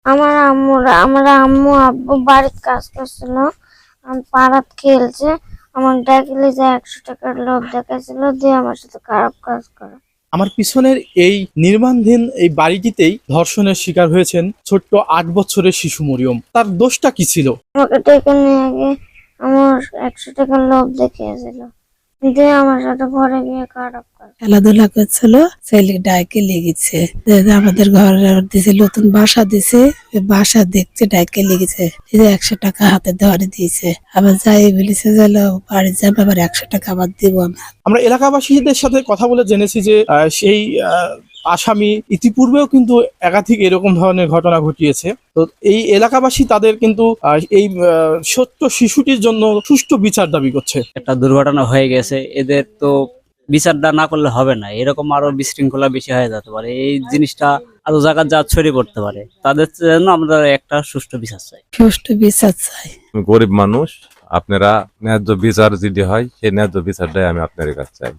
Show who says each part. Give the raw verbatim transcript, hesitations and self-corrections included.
Speaker 1: আমার আম্মুরা আমার আম্মু আব্বু বাড়ির কাজ করছিল, আমি পাড়াত খেলছে, আমার ডাকলে যে একশো টাকার লোভ দেখাইছিল দিয়ে আমার সাথে খারাপ কাজ করে।
Speaker 2: আমার পিছনের এই নির্মাণধীন এই বাড়িটিতেই ধর্ষণের শিকার হয়েছেন ছোট্ট আট বছরের শিশু মরিয়ম। তার দোষটা কি ছিল?
Speaker 1: আমাকে ডেকে নিয়ে গিয়ে আমার একশো টাকার লোভ দেখিয়েছিল, দিয়ে আমার সাথে ঘরে গিয়ে খারাপ কাজ।
Speaker 3: খেলাধুলা করছিল, ছেলে ডাইকে লেগেছে। আমাদের ঘরে দিছে, নতুন বাসা দিছে, বাসা দেখছে ডাইকে লেগেছে, একশো টাকা হাতে ধরে দিয়েছে। আবার যাই বলেছে যে বাড়ি যাবে, আবার একশো টাকা আবার দিব না।
Speaker 2: আমরা এলাকাবাসীদের সাথে কথা বলে জেনেছি যে আহ, সেই আহ, আসামি ইতিপূর্বেও কিন্তু একাধিক এরকম ধরনের ঘটনা ঘটিয়েছে। তো এই এলাকাবাসী তাদের কিন্তু আহ, এই আহ, ছোট্ট শিশুটির জন্য সুষ্ঠু বিচার দাবি করছে।
Speaker 4: একটা দুর্ঘটনা হয়ে গেছে, এদের তো বিচারটা না করলে হবে না, এরকম আরো বিশৃঙ্খলা বেশি হয়ে যেতে পারে, এই জিনিসটা আরো জায়গা যা ছড়িয়ে পড়তে পারে, তাদের জন্য আমরা একটা সুষ্ঠু বিচার চাই।
Speaker 3: সুষ্ঠু বিচার চাই।
Speaker 5: গরিব মানুষ, আপনারা ন্যায্য বিচার যদি হয় সেই ন্যায্য বিচারটাই আমি আপনার কাছে চাই।